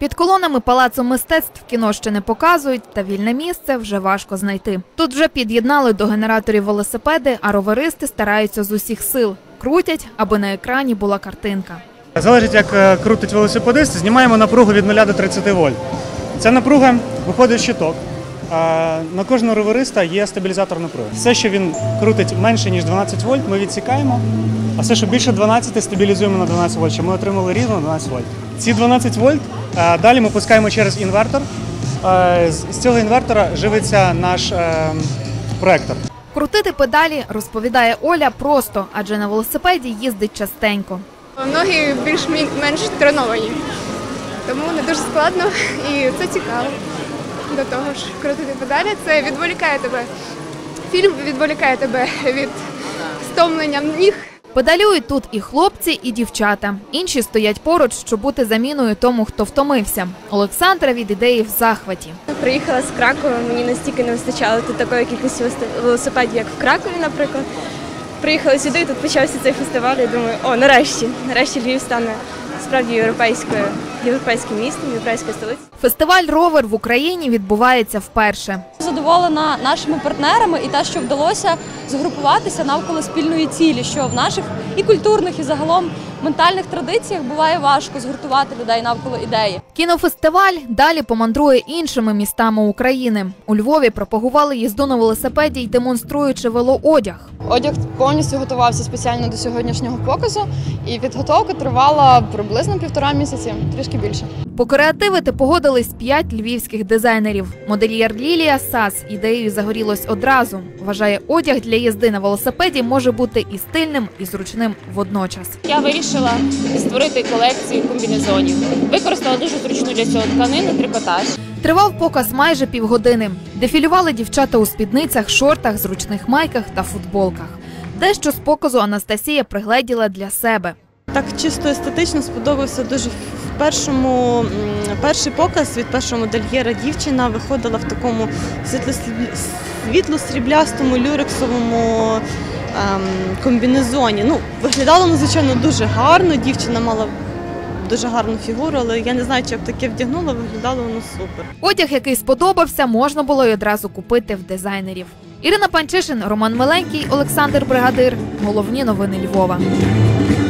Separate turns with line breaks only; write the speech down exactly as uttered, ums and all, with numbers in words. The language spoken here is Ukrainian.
Під колонами Палацу мистецтв кіно ще не показують, та вільне місце вже важко знайти. Тут вже під'єднали до генераторів велосипеди, а роверисти стараються з усіх сил. Крутять, аби на екрані була картинка.
Залежить, як крутить велосипедист, знімаємо напругу від нуля до тридцяти вольт. Ця напруга виходить в щиток. На кожного ровериста є стабілізатор напруги. Все, що він крутить менше, ніж дванадцять вольт, ми відсікаємо, а все, що більше дванадцяти, стабілізуємо на дванадцять вольт, щоб ми отримали рівно дванадцять вольт. Ці дванадцять вольт далі ми пускаємо через інвертор. З цього інвертора живиться наш проектор.
Крутити педалі, розповідає Оля, просто, адже на велосипеді їздить частенько.
Ноги більш-менш треновані, тому не дуже складно і це цікаво. До того ж, крутити педалі – це відволікає тебе. Фільм відволікає тебе від стомлення ніг.
Педалюють тут і хлопці, і дівчата. Інші стоять поруч, щоб бути заміною тому, хто втомився. Олександра від ідеї в захваті.
Приїхала з Кракова, мені настільки не вистачало тут такої кількості велосипедів, як в Кракові, наприклад. Приїхала сюди, тут почався цей фестиваль, і думаю, о, нарешті, нарешті Львів стане справді європейською, європейським містом, європейською столицею.
Фестиваль «Ровер» в Україні відбувається вперше.
Задоволена нашими партнерами і те, що вдалося згрупуватися навколо спільної цілі, що в наших і культурних, і загалом ментальних традиціях буває важко згуртувати людей навколо ідеї.
Кінофестиваль далі помандрує іншими містами України. У Львові пропагували їзду на велосипеді й демонструючи велоодяг.
Одяг повністю готувався спеціально до сьогоднішнього показу, і підготовка тривала приблизно півтора місяці, трішки більше.
Покреативити погодились п'ять львівських дизайнерів. Модельєр Лілія Сас ідеєю загорілась одразу. Вважає, одяг для їзди на велосипеді може бути і стильним, і зручним водночас.
Я вирішила створити колекцію комбінезонів. Використала дуже зручну для цього тканину, трикотаж.
Тривав показ майже півгодини. Дефілювали дівчата у спідницях, шортах, зручних майках та футболках. Дещо з показу Анастасія пригледіла для себе.
Так чисто естетично сподобався дуже. В першому, перший показ від першого модельєра дівчина виходила в такому світло-сріблястому люрексовому ем, комбінезоні. Ну, виглядало надзвичайно дуже гарно, дівчина мала дуже гарну фігуру, але я не знаю, чи я б таке вдягнула, виглядало воно супер.
Одяг, який сподобався, можна було й одразу купити в дизайнерів. Ірина Панчишин, Роман Миленький, Олександр Бригадир. Головні новини Львова.